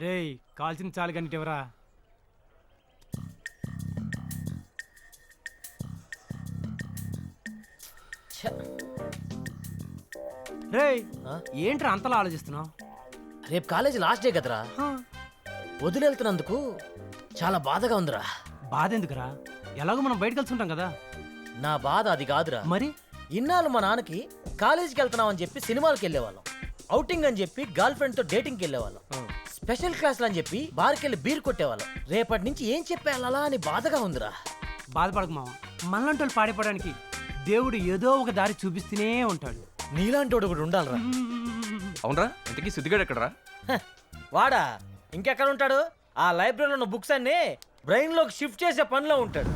రేయ్ కాల్చిన చాలు కానీ ఎవరా రేయ్ ఏంట్రా అంతలా ఆలోచిస్తున్నావు? రేపు కాలేజీ లాస్ట్ డే కదరా, వదిలేళ్తున్నందుకు చాలా బాధగా ఉందిరా. బాధ ఎందుకురా? ఎలాగో మనం బయట కలిసి ఉంటాం కదా. నా బాధ అది కాదురా. మరి ఇన్నాళ్ళు మా నాన్నకి కాలేజీకి వెళ్తున్నాం అని చెప్పి సినిమాలకు వెళ్ళేవాళ్ళం, అవుటింగ్ అని చెప్పి గర్ల్ ఫ్రెండ్ తో డేటింగ్కి వెళ్ళేవాళ్ళం, స్పెషల్ క్లాసులు అని చెప్పి బార్కి వెళ్ళి బీర్ కొట్టేవాళ్ళం. రేపటి నుంచి ఏం చెప్పేయాలా అని బాధగా ఉందిరా. బాధపడకు మామ, మనలాంటి వాళ్ళు పాడిపోవడానికి దేవుడు ఏదో ఒక దారి చూపిస్తూనే ఉంటాడు. నీలాంటి వాడు కూడా ఉండాలిరా. అవునరా, ఇంతకీ సిద్ధిగాడు ఎక్కడరా? వాడా ఇంకెక్కడ ఉంటాడు? ఆ లైబ్రరీలో ఉన్న బుక్స్ అన్ని బ్రెయిన్ లోకి షిఫ్ట్ చేసే పనిలో ఉంటాడు.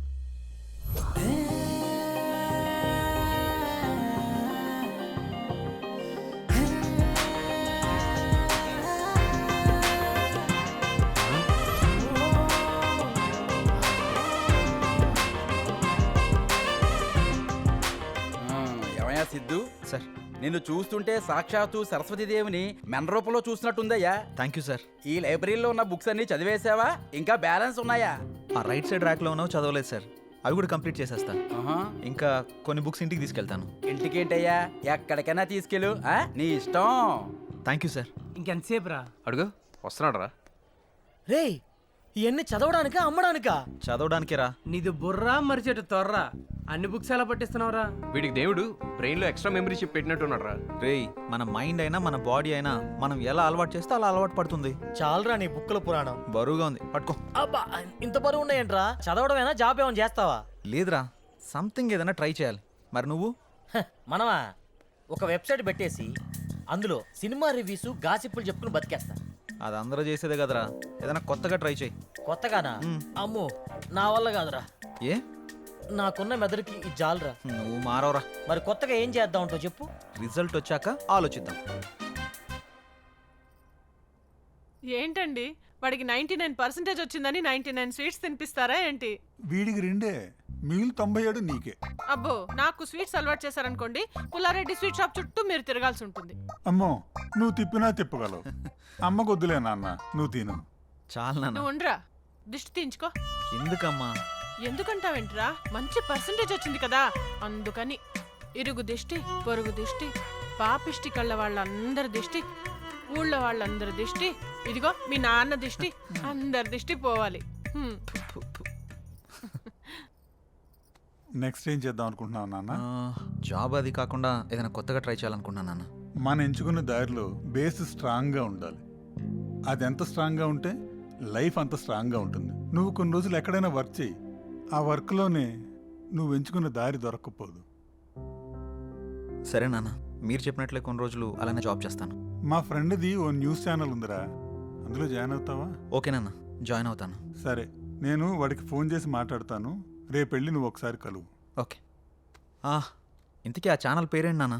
ఏమయ్యా సిద్ధు సార్, నిన్ను చూస్తుంటే సాక్షాత్తు సరస్వతీదేవిని మెన రూపంలో చూసినట్టుందయ్యా. Thank you sir. ఈ లైబ్రరీలో ఉన్న బుక్స్ అన్ని చదివేశావా? ఇంకా బ్యాలెన్స్ ఉన్నాయా? ఆ రైట్ సైడ్ ర్యాక్లో ఉన్నావు, చదవలేదు సార్. అవి కూడా కంప్లీట్ చేసేస్తా. ఆహా. ఇంకా కొన్ని బుక్స్ ఇంటికి తీసుకెళ్తాను. ఇంటికేంటయ్యా, ఎక్కడికైనా తీసుకెళ్ళు, నీ ఇష్టం. Thank you sir. ఇంకెంతసేపు రా? అడుగు, వస్తున్నాడు రా. రేయ్ ఇవన్నీ చదవడానికా అమ్మడానికా? చదవడానికే రా. నీది బుర్రా మరిచేటు తొర్రా, అన్ని బుక్స్ ఎలా పట్టిస్తున్నావురా? వీడికి దేవుడు బ్రెయిన్ లో ఎక్స్ట్రా మెమరీ చిప్ పెట్టినట్టున్నాడు రా. రేయ్, మన మైండ్ అయినా మన బాడీ అయినా మనం ఎలా అలవాటు చేస్తే అలా అలవాటు పడుతుంది. చాలరా నీ బుక్కుల పురాణం. బరువుగా ఉంది, పట్టుకో. అబ్బా ఇంత బరువు ఉన్నాయంట్రా? చదవడమేనా, జాబ్ ఏమైనా చేస్తావా? లేదురా, సంథింగ్ ఏదైనా ట్రై చేయాలి. మరి నువ్వు? మనమా ఒక వెబ్సైట్ పెట్టేసి అందులో సినిమా రివ్యూస్ గాసిప్పులు చెప్పుకుని బతికేస్తా. అది అందరూ చేసేదే కదరా, ఏదైనా కొత్తగా ట్రై చేయి. కొత్తగానా? అమ్మో నా వల్ల కాదురా. ఏ? నాకున్న మెదడుకి ఇది జాలరా. నువ్వు మారవరా. మరి కొత్తగా ఏం చేద్దాం అంటో చెప్పు. రిజల్ట్ వచ్చాక ఆలోచిద్దాం. ఏంటండి వాడికి 99% వచ్చిందని 99 స్వీట్స్ తినిపిస్తారా ఏంటి? వీడికి 2 మిగిలి 97 నీకే. అబ్బో, నాకు స్వీట్స్ అలవాటు చేశారనుకోండి, పుల్లారెడ్డి స్వీట్ షాప్ చుట్టూ మీరు తిరగాల్సి ఉంటుంది. అమ్మో, నువ్వు తిప్పినా తిప్పగలవు. అమ్మ కొద్దులే నాన్న, నువ్వు తిను. చాలు నాన్న. నువ్వు ఉండరా, దిష్టి తీయించుకో. ఎందుకమ్మా? ఎందుకంటావేంట్రా? మంచి పర్సంటేజ్ వచ్చింది కదా అందుకని. ఇరుగు దిష్టి, పొరుగు దిష్టి, పాపిష్టి కళ్ళ వాళ్ళందరి దిష్టి, ఊళ్ళో వాళ్ళందరి దిష్టి, ఇదిగో మీ నాన్న దిష్టి, అందరి దిష్టి పోవాలి. నెక్స్ట్ ఏం చేద్దాం అనుకుంటున్నావు నాన్న? జాబ్ అది కాకుండా ఏదైనా కొత్తగా ట్రై చేయాలనుకున్నాను నాన్న. మనం ఎంచుకున్న దారిలో బేస్ స్ట్రాంగ్గా ఉండాలి. అది ఎంత స్ట్రాంగ్గా ఉంటే లైఫ్ అంత స్ట్రాంగ్గా ఉంటుంది. నువ్వు కొన్ని రోజులు ఎక్కడైనా వర్క్ చేయి, ఆ వర్క్లోనే నువ్వు ఎంచుకున్న దారి దొరక్కపోదు. సరే నాన్న, మీరు చెప్పినట్లే కొన్ని రోజులు అలానే జాబ్ చేస్తాను. మా ఫ్రెండ్ది ఓ న్యూస్ ఛానల్ ఉందిరా, అందులో జాయిన్ అవుతావా? ఓకే నాన్న, జాయిన్ అవుతాను. సరే, నేను వాడికి ఫోన్ చేసి మాట్లాడతాను. రేపు వెళ్ళి నువ్వు ఒకసారి కలువు. ఓకే. ఇంతకీ ఆ ఛానల్ పేరేంటి నాన్న?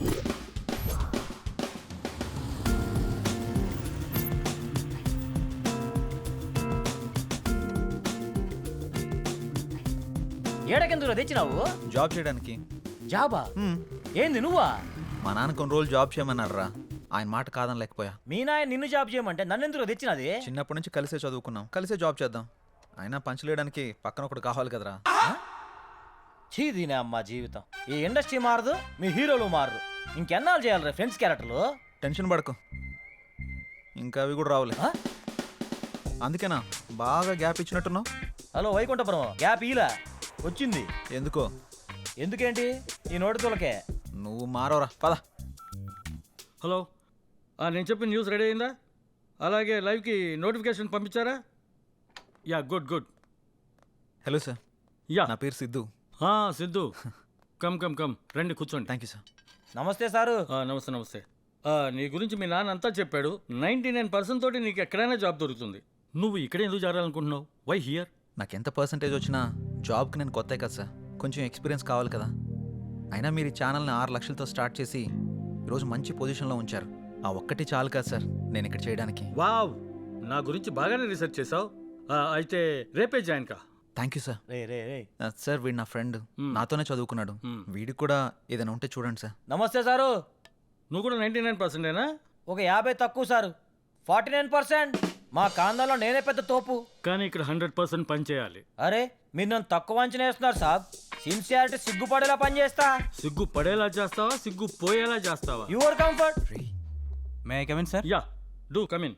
ఏడకెందుకు తెచ్చినావు? జాబ్ చేయడానికి. జాబా? ఏంది నువ్వా? మా నాన్న కొన్ని రోజులు జాబ్ చేయమన్నారా, ఆయన మాట కాదని లేకపోయా. మీ నాయన నిన్ను జాబ్ చేయమంటే నన్ను ఎందుకు తెచ్చినది? చిన్నప్పటి నుంచి కలిసే చదువుకున్నాం, కలిసే జాబ్ చేద్దాం. అయినా పంచలేయడానికి పక్కన ఒకటి కావాలి కదరా. చీదీనే అమ్మా జీవితం. ఈ ఇండస్ట్రీ మారదు, మీ హీరోలు మారరు. ఇంకెన్నాళ్ళు చేయాలి ఫ్రెండ్స్ క్యారెక్టర్లు? టెన్షన్ పడకు, ఇంకా అవి కూడా రావులే. అందుకేనా బాగా గ్యాప్ ఇచ్చినట్టున్నావు. హలో వైకుంఠపురం, గ్యాప్ ఇలా వచ్చింది. ఎందుకో? ఎందుకేంటి, ఈ నోటితోలకే. నువ్వు మారవరా, పద. హలో, నేను చెప్పిన న్యూస్ రెడీ అయిందా? అలాగే లైవ్కి నోటిఫికేషన్ పంపించారా? Yeah, good good. Hello sir, yeah, నా పేరు Siddhu. Siddhu, come come come, రండి కూర్చోండి. Thank you sir. నమస్తే సారు. నమస్తే నమస్తే. నీ గురించి మీ నాన్న అంతా చెప్పాడు. 99% తోటి నీకు ఎక్కడైనా జాబ్ దొరుకుతుంది. నువ్వు ఇక్కడ ఎందుకు చేరాలనుకుంటున్నావు? Why here? నాకు ఎంత పర్సంటేజ్ వచ్చినా జాబ్కి నేను కొత్త కదా సార్, కొంచెం ఎక్స్పీరియన్స్ కావాలి కదా. అయినా మీరు ఈ ఛానల్ని 6 లక్షలతో స్టార్ట్ చేసి ఈరోజు మంచి పొజిషన్లో ఉంచారు. ఆ ఒక్కటి చాలు కదా సార్ నేను ఇక్కడ చేయడానికి. వావ్, నా గురించి బాగానే రీసెర్చ్ చేసావు. అయితే రేపే జాయిన్ కా. Thank you sir. రే రే రే సార్, వీడు నా ఫ్రెండ్, నాతోనే చదువుకున్నాడు. వీడికి కూడా ఏదైనా ఉంటే చూడండి సార్. నమస్తే సారు. నువ్వు కూడా 99%ఏనా? ఒక 50 తక్కువ సారు. 49%. మా కాందంలో నేనే పెద్ద తోపు. కానీ ఇక్కడ 100% పని చేయాలి. అరే మీరు నన్ను తక్కువ అంచనా వేస్తున్నారు సాబ్. సిన్సియారిటీ సిగ్గుపడేలా పని చేస్తా. సిగ్గు పడేలా చేస్తావా సిగ్గు పోయేలా చేస్తావా? Your comfort. May I come in sir? Yeah do come in.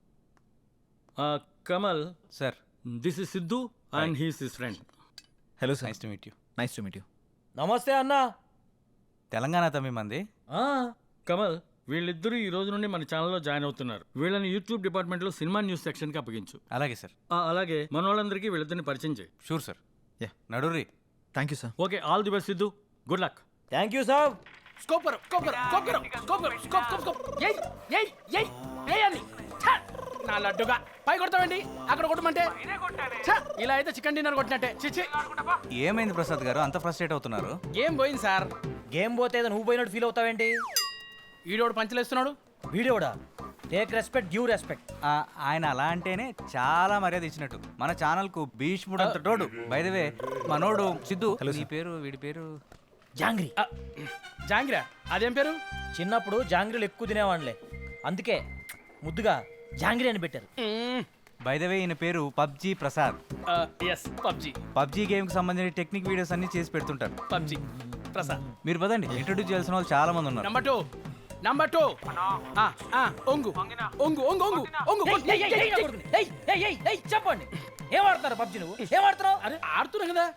Kamal sir. This is Siddhu and he's his friend. Hello sir. Nice to meet you. Nice to meet you. నమస్తే అన్నా. తెలంగాణ తమ్మి మంది. కమల్ వీళ్ళిద్దరూ ఈ రోజు నుండి మన ఛానల్లో జాయిన్ అవుతున్నారు. వీళ్ళని యూట్యూబ్ డిపార్ట్మెంట్లో సినిమా న్యూస్ సెక్షన్కి అప్పగించు. అలాగే సార్. అలాగే మన వాళ్ళందరికీ వీళ్ళిద్దరిని పరిచయం చేయి. Sure sir. యా. నడురి. Thank you sir. Okay all the best Siddhu. Good luck. Thank you సాబ్. స్కోప్ కరో స్కోప్ కరో స్కోప్ కరో స్కోప్ కరో స్కోప్ స్కోప్ స్కోప్ ఏయ్ ఏయ్ ఏయ్ ఏయని నా లడ్డుగా పై కొడతావండి అక్కడ కొట్టమంటే ఛ, ఇలా అయితే చికెన్ డిన్నర్ కొట్టినట్టే. చిచి ఏమైంది ప్రసాద్ గారు అంత ఫ్రస్ట్రేట్ అవుతున్నారు? గేమ్ పోయింది సార్. గేమ్ పోతే ఏదో నువ్వు పోయినట్టు ఫీల్ అవుతావేంటి? ఈడోడు పంచలేస్తున్నాడు. వీడియోడా? Take respect give respect. ఆయన అలా అంటేనే చాలా మర్యాద ఇచ్చినట్టు. మన ఛానల్ కు భీష్ముడు అంత తోడు. బై ద వే మనోడు సిద్ధు. నీ పేరు వీడి పేరు జాంగ్రీ. జాంగిరా అదేం పేరు? చిన్నప్పుడు జాంగ్రీలు ఎక్కువ తినేవాళ్ళే, అందుకే ముద్దుగా జాంగ్రీ అని పెట్టారు. బై ద వే ఈయన పేరు PUBG Prasad. Yes PUBG. PUBG game కి సంబంధించిన టెక్నిక్ వీడియోస్ అన్ని చేసి పెడుతుంటారు. పబ్జి ప్రసాద్. మీరు పదండి, ఇంట్రొడ్యూస్ చేయాల్సిన వాళ్ళు చాలా మంది ఉన్నారు. నంబర్ 2 నంబర్ 2 ఒంగు ఒంగు ఒంగు ఒంగు ఒంగు చెప్పండి, ఏం ఆడుతున్నారు పబ్జి? నువ్వు ఏం ఆడుతున్నావు? అరే ఆడుతున్నా కదా.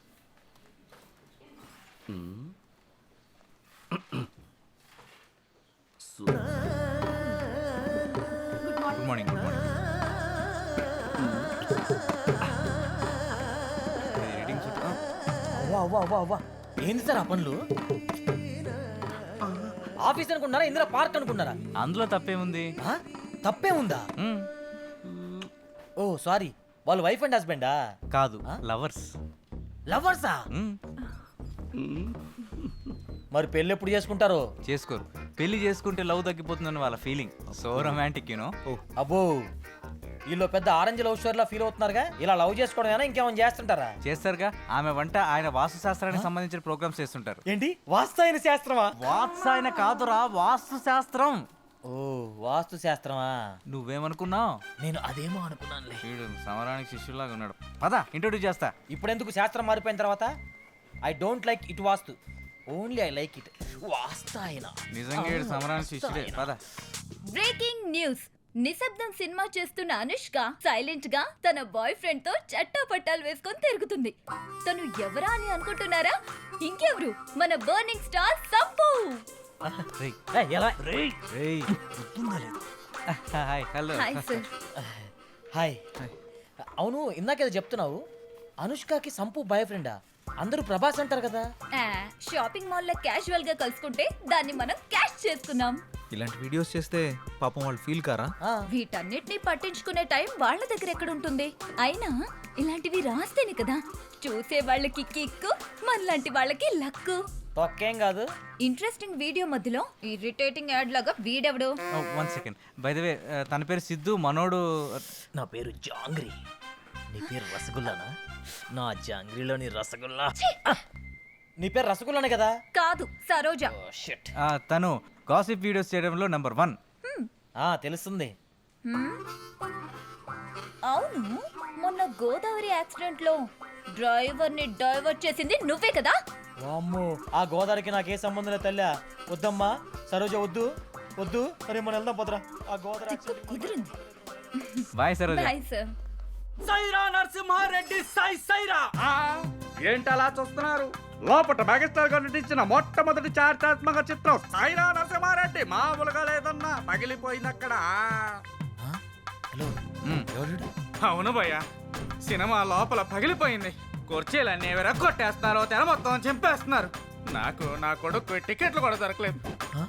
Good morning. Good morning. Reading అవ్వా అవ్వా అవ్వా అవ్వా, ఏంది సార్ ఆ పనులు? ఆఫీస్ అనుకున్నారా, ఇందులో పార్క్ అనుకున్నారా? అందులో తప్పేముంది? ఆ? తప్పే ఉందా? మ్మ్. ఓ సారీ, వాళ్ళు వైఫ్ అండ్ హస్బెండా? కాదు, లవర్స్. లవర్సా? మరి పెళ్ళి ఎప్పుడు చేసుకుంటారు? చేసుకోరు. పెళ్లి చేసుకుంటే లవ్ తగ్గిపోతుందని వాళ్ళ ఫీలింగ్. So romantic you know. అబ్బో, వీళ్ళు పెద్ద ఆరెంజ్ లవ్ స్టోరీలా ఫీల్ అవుతున్నారుగా. ఇలా లవ్ చేసుకోవడం ఇంకేమైనా చేస్తుంటారా? చేస్తారుగా. ఆమె వంట, ఆయన వాస్తు శాస్త్రానికి సంబంధించిన ప్రోగ్రామ్స్ చేస్తుంటారు. ఏంటి వాస్తు శాస్త్రమా? వాత్సాయన కాదురా, వాస్తు శాస్త్రం. ఓ వాస్తు శాస్త్రమా? నువ్వేమనుకున్నావు? నేను అదేమో అనుకున్నానులే. వీడు సమరానికి శిష్యులాగా ఉన్నాడు. పద ఇంట్రొడ్యూస్ చేస్తా. ఇప్పుడెందుకు శాస్త్రం మారిపోయిన తర్వాత? I don't like it vastu, only I like it వాస్తాయన. నిజంగా వీడు సమరానికి శిష్యుడే. పద. Breaking news. నిశ్శబ్దం సినిమా చేస్తున్న అనుష్క సైలెంట్ గా తన బాయ్ ఫ్రెండ్ తో చట్టా పట్టాలు వేసుకొని తిరుగుతుంది. తను ఎవరా అని అనుకుంటున్నారా? ఇంకెవరు, మన burning star Sampu. Hi. Hello. Hi sir. Hi. అవును, ఇందాకేదో చెప్తున్నావు, అనుష్కకి సంపు బాయ్ ఫ్రెండా? అందరూ ప్రభాస్ అంటారు కదా. షాపింగ్ మాల్ లో క్యాజువల్ గా కలుసుకుంటే దాన్ని మనం క్యాష్ చేసుకున్నాం. ఇలాంటి వీడియోస్ చేస్తే పాపం వాళ్ళు ఫీల్ కారా? వీటన్నిటిని పట్టించుకునే టైం వాళ్ళ దగ్గర ఎక్కడ ఉంటుంది? అయినా ఇలాంటివి రాస్తేనే కదా చూసే వాళ్ళకి కిక్కు, మనలాంటి వాళ్ళకి లక్కు. తొక్కేం కాదు. ఇంట్రెస్టింగ్ వీడియో మధ్యలో ఇరిటేటింగ్ యాడ్ లాగా వీడెవడు? 1 సెకండ్. బై ద వే తన పేరు సిద్ధు, మనోడు. నా పేరు జాంగ్రీ. నీ పేరు రసగుల్లానా? నా జాంగ్రీలోని రసగుల్లా. నీ పేరు రసగుల్లానే కదా? కాదు, సరోజ. తను గాసిప్ వీడియోస్ చేయడంలో నెంబర్ 1. తెలుస్తుంది. అవును, మొన్న గోదావరి యాక్సిడెంట్ లో డ్రైవర్ ని డైవర్ట్ చేసింది నువ్వే కదా? వామ్మో, ఆ గోదావరికి నాకే సంబంధం లేదు తల్లా. వద్దమ్మా సరోజ, వద్దు వద్దు. అరే మనం వెళ్దాం పదరా. ఆ గోదావరి తిక్కు కుదిరింది. Bye Saroja. Bye sir. Sye Raa Narasimha Reddy Sye Raa. ఏంటలా చూస్తున్నారు? లోపట మెగాస్టార్ గారు నటించిన మొట్టమొదటి చారిత్రాత్మక చిత్రం సైరా నరసింహారెడ్డి మామూలుగా లేదన్నా, పగిలిపోయింది అక్కడ. హలో. అవును భయ్య, సినిమా లోపల పగిలిపోయింది. కుర్చీలన్నీ ఎవరో కొట్టేస్తున్నారు, తెర మొత్తం చింపేస్తున్నారు. నాకు నా కొడుకు టికెట్లు కూడా దొరకలేదు.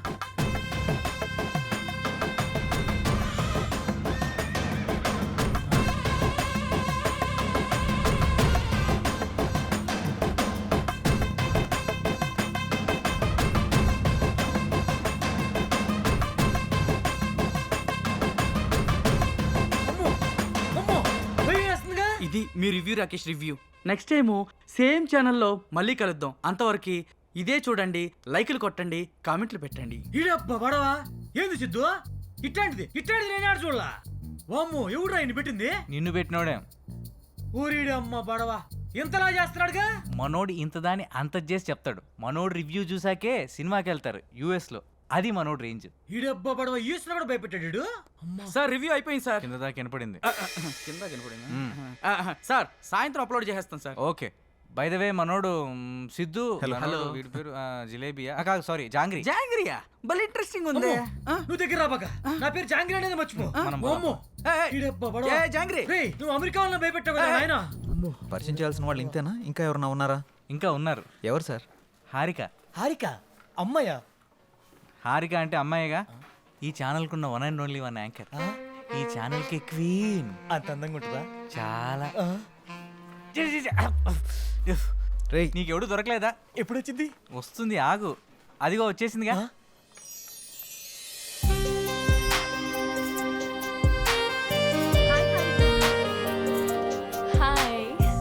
ఇది మీ review, Rakesh review. Next time same ఛానల్లో మళ్ళీ కలుద్దాం. అంతవరకు ఇదే చూడండి, లైకులు కొట్టండి, కామెంట్లు పెట్టండి. ఈడబ్బా బడవా, ఏంది సిద్ధు? ఇట్లాంటిది నేను ఆడ చూడలా. వామ్మో ఎవడు ఆయన పెట్టింది? నిన్ను పెట్టినోడే. ఊరిడి అమ్మ బడవా ఇంతలా చేస్తున్నాడుగా. మనోడు ఇంత దాన్ని అంత చేసి చెప్తాడు. మనోడు రివ్యూ చూసాకే సినిమాకి వెళ్తారు US లో. అది మనోడు రేంజ్. ఈడబ్బా బడవా ఈశ్వర కూడా భయపెట్టాడు. సార్ రివ్యూ అయిపోయింది సార్. కింద దాకా వినపడింది. కింద కనపడింది సార్. సాయంత్రం అప్లోడ్ చేసేస్తాను sir. Okay. By the way మనోడు సిద్ధు. హలో. వీడి పేరు జిలేబియా కాదు, సారీ జాంగ్రీ. జాంగ్రియా భలే ఇంట్రెస్టింగ్ ఉంది. నువ్వు దగ్గర రాబాక. నా పేరు జాంగ్రీ అనేది మర్చిపో. వామ్మో ఈడబ్బా బడవా. జాంగ్రీ రేయ్ నువ్వు అమెరికా వాళ్ళని భయపెట్టావు కదా నాయనా. పరిచయం చేయాల్సిన వాళ్ళు ఇంతేనా? ఇంకా ఎవరన్నా ఉన్నారా? ఇంకా ఉన్నారు. ఎవరు సార్? హారిక. హారిక అమ్మయ్య. హారిక అంటే అమ్మాయిగా ఈ ఛానల్కున్న one and only one anchor. ఈ ఛానల్కి క్వీన్. అంత అందంగా ఉంటుందా? చాలా. రేయ్ నీకెవడు దొరకలేదా? ఎప్పుడు వచ్చింది? వస్తుంది ఆగు. అదిగో వచ్చేసిందిగా. హాయ్.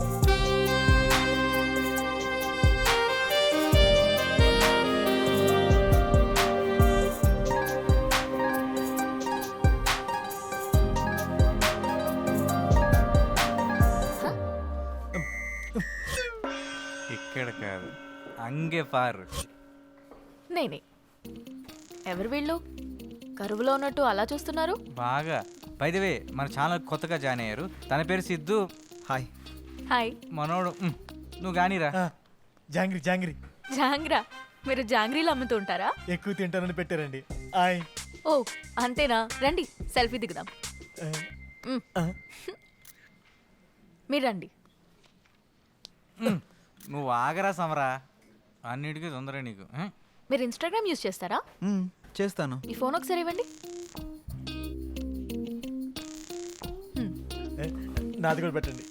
ఇక్కడ కాదు, అంగే పారు. నేనే. ఎవరు వీళ్ళు? కరువులో ఉన్నట్టు అలా చూస్తున్నారు. బాగా. బై ద వే మన ఛానల్ కొత్తగా జాయిన్ అయ్యారు. తన పేరు సిద్ధు. హాయ్. హాయ్. మనోడు నువ్వు గానీరా. జాంగ్రీ జాంగ్రీ. జాంగ్రా? మీరు జాంగ్రీలు అమ్ముతూ ఉంటారా? ఎక్కువ తింటానని పెట్టారండి. హాయ్. ఓ అంతేనా? రండి సెల్ఫీ దిగుదాం. మీరు రండి. నువ్వు ఆగరా సమరా. అన్నిటికీ తొందర నీకు. మీరు ఇన్స్టాగ్రామ్ యూజ్ చేస్తారా? చేస్తాను. ఈ ఫోన్ ఒకసారి ఇవ్వండి. నాది కూడా పెట్టండి.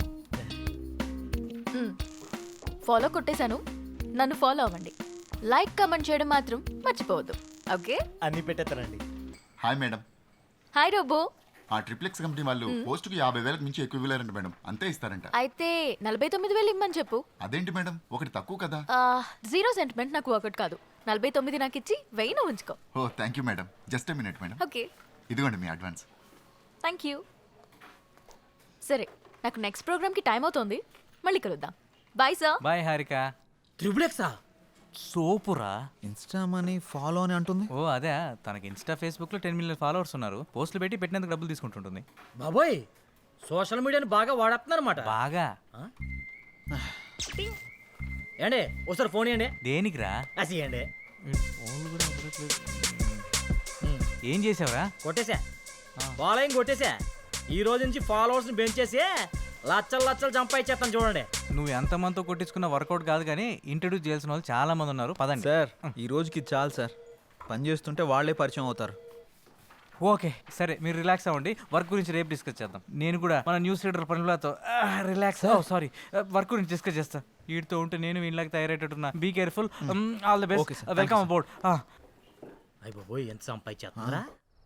ఫాలో కొట్టేశాను. నన్ను ఫాలో అవ్వండి. లైక్ కామెంట్ చేయడం మాత్రం మర్చిపోవద్దు. ఓకే? అన్నీ పెట్టేస్తానండి. Hi madam. Hi robo. ఆ ట్రిప్లెక్స్ కంపెనీ వాళ్ళు పోస్టుకి 50,000 మించి ఎక్కువ ఇవ్వలేరంట మేడం. అంతే ఇస్తారంట. అయితే 49,000 ఇమ్మని చెప్పు. అదేంటి మేడం, ఒకటి తక్కువ కదా. జీరో సెంటిమెంట్ నాకు ఒకటి కాదు. 49 నాకు ఇచ్చి 1000 ఉంచుకో. Oh thank you madam. Just a minute madam. Okay. ఇదిగోండి మీ అడ్వాన్స్. Thank you. సరే నాకు నెక్స్ట్ ప్రోగ్రామ్కి టైం అవుతోంది. మళ్ళీ కలుద్దాం. Bye sir. బాయ్ హారిక. త్రిబులెక్సా? సోపురా. ఇన్స్టా మనీ ఫాలో అని అంటుంది. ఓ అదే. తనకి ఇన్స్టా ఫేస్బుక్ లో 10 మిలియన్ ఫాలోవర్స్ ఉన్నారు. పోస్టులు పెట్టి పెట్టినందుకు డబ్బులు తీసుకుంటుంటుంది. బాబోయ్ సోషల్ మీడియాని బాగా వాడుతున్నారన్నమాట. బాగా. ఏండి ఒకసారి ఫోన్ ఇవ్వండి. దేనికిరా? అసియండి. ఏం చేసావురా? కొట్టేశా. ఫాలోయింగ్ కొట్టేశా. ఈ రోజు నుంచి ఫాలోవర్స్ని పెంచేసి లచ్చలు లచ్చలు సంపాదించేస్తాను చూడండి. నువ్వు ఎంతమందితో కొట్టించుకున్న వర్కౌట్ కాదు కానీ ఇంట్రడ్యూస్ చేయాల్సిన వాళ్ళు చాలా మంది ఉన్నారు. పదండి సార్ ఈ రోజుకి చాలు సార్. పని చేస్తుంటే వాళ్ళే పరిచయం అవుతారు. ఓకే సరే మీరు రిలాక్స్ అవ్వండి. వర్క్ గురించి రేపు డిస్కస్ చేద్దాం. నేను కూడా మన న్యూస్ రీడర్ పనులతో రిలాక్స్. సారీ వర్క్ గురించి డిస్కస్ చేస్తా. వీటితో ఉంటే నేను వీళ్ళకి తయారయ్యేటట్టున్నా. Be careful. All the best. Welcome about. అయ్య బాబోయ్ ఎంత సంపాదించేస్తున్నారా?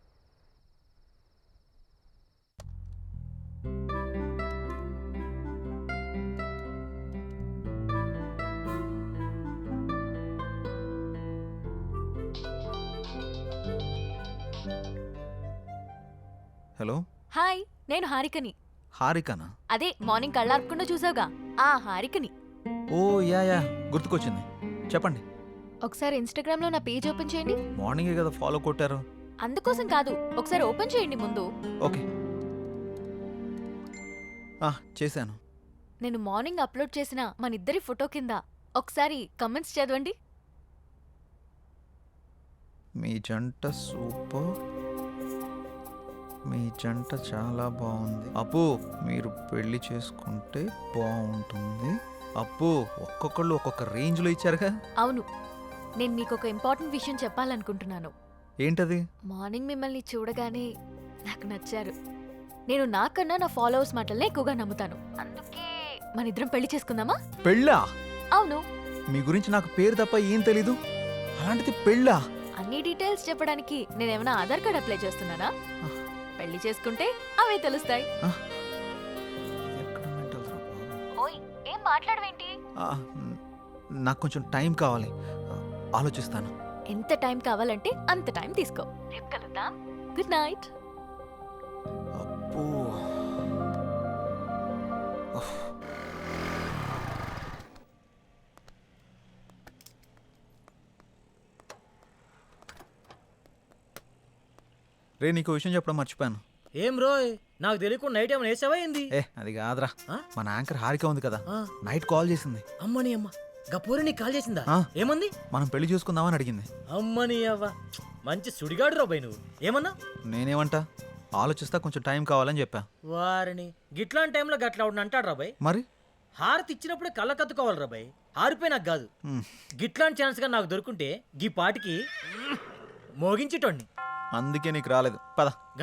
హలో. హాయ్ నేను హారికని. హారికనా? అదే మార్నింగ్ కళ్ళార్పకుండా చూసావుగా ఆ హారికని. ఓ యా గుర్తుకొచ్చింది. చెప్పండి. ఒకసారి ఇన్స్టాగ్రామ్ లో నా పేజ్ ఓపెన్ చేయండి. మార్నింగే కదా ఫాలో కొట్టారు. అందుకోసం కాదు, ఒకసారి ఓపెన్ చేయండి ముందు. ఓకే చేశాను. నేను మార్నింగ్ అప్లోడ్ చేసిన మన ఇద్దరి ఫోటో కింద ఒకసారి కమెంట్స్ చదవండి. మీ జంట సూపర్. మీ జంట చాలా బాగుంది. అప్పు మీరు పెళ్లి చేసుకుంటే బాగుంటుంది. అప్పు ఒక్కొక్కళ్ళు ఒక్కొక్క రేంజ్లో ఇచ్చారుగా. అవును, నేను మీకు ఒక ఇంపార్టెంట్ విషయం చెప్పాలనుకుంటున్నాను. ఏంటది? మార్నింగ్ మిమ్మల్ని చూడగానే నాకు నచ్చారు. నేను నాకన్నా నా ఫాలోవర్స్ మాటలనే ఎక్కువగా నమ్ముతాను. అందుకే మన ఇద్దరం పెళ్లి చేసుకుందామా? పెళ్ళా? అవును. మీ గురించి నాకు పేరు తప్ప ఏం తెలీదు. అలాంటిది పెళ్ళా? అన్ని డీటెయిల్స్ చెప్పడానికి నేనేమైనా ఆధార్ కార్డ్ అప్లై చేస్తున్నానా? పెళ్లి చేసుకుంటే అవే తెలుస్తాయి. ఓయ్ ఏం మాట్లాడవేంటి? నాకు కొంచెం టైం కావాలి, ఆలోచిస్తాను. ఎంత టైం కావాలంటే అంత టైం తీసుకో. రేపు కలుద్దాం. Good night. అబ్బో. రే నీకు విషయం చెప్పడం మర్చిపోయాను. ఏం రోయ్, నాకు తెలియకుండా నైట్ ఏమైనా వేసావా ఏంది? అది కాదురా, ఆ? మన యాంకర్ హారిక ఉంది కదా, ఆ. నైట్ కాల్ చేసింది. అమ్మని అమ్మ, గపూరి నీకు కాల్ చేసిందా? ఆ. ఏమంది? మనం పెళ్లి చూసుకుందామని అడిగింది. అమ్మని అవ్వ, మంచి సుడిగాడు రాబాయ్ నువ్వు. ఏమన్నా? నేనేమంటా, ఆలోచిస్తా, కొంచెం టైం కావాలని చెప్పా. వారిని గిట్లాంటి టైంలో గట్లా అవును అంటాడు రాబాయ్. మరి హారతి ఇచ్చినప్పుడే కళ్ళ కత్తుకోవాలి రాబాయ్. హారిపోయి నాకు కాదు. హ్మ్. గిట్లాంటి ఛాన్స్ గా నాకు దొరుకుంటే గీ పాటికి మోగించేటోడిని. అందుకే నీకు రాలేదు. పద.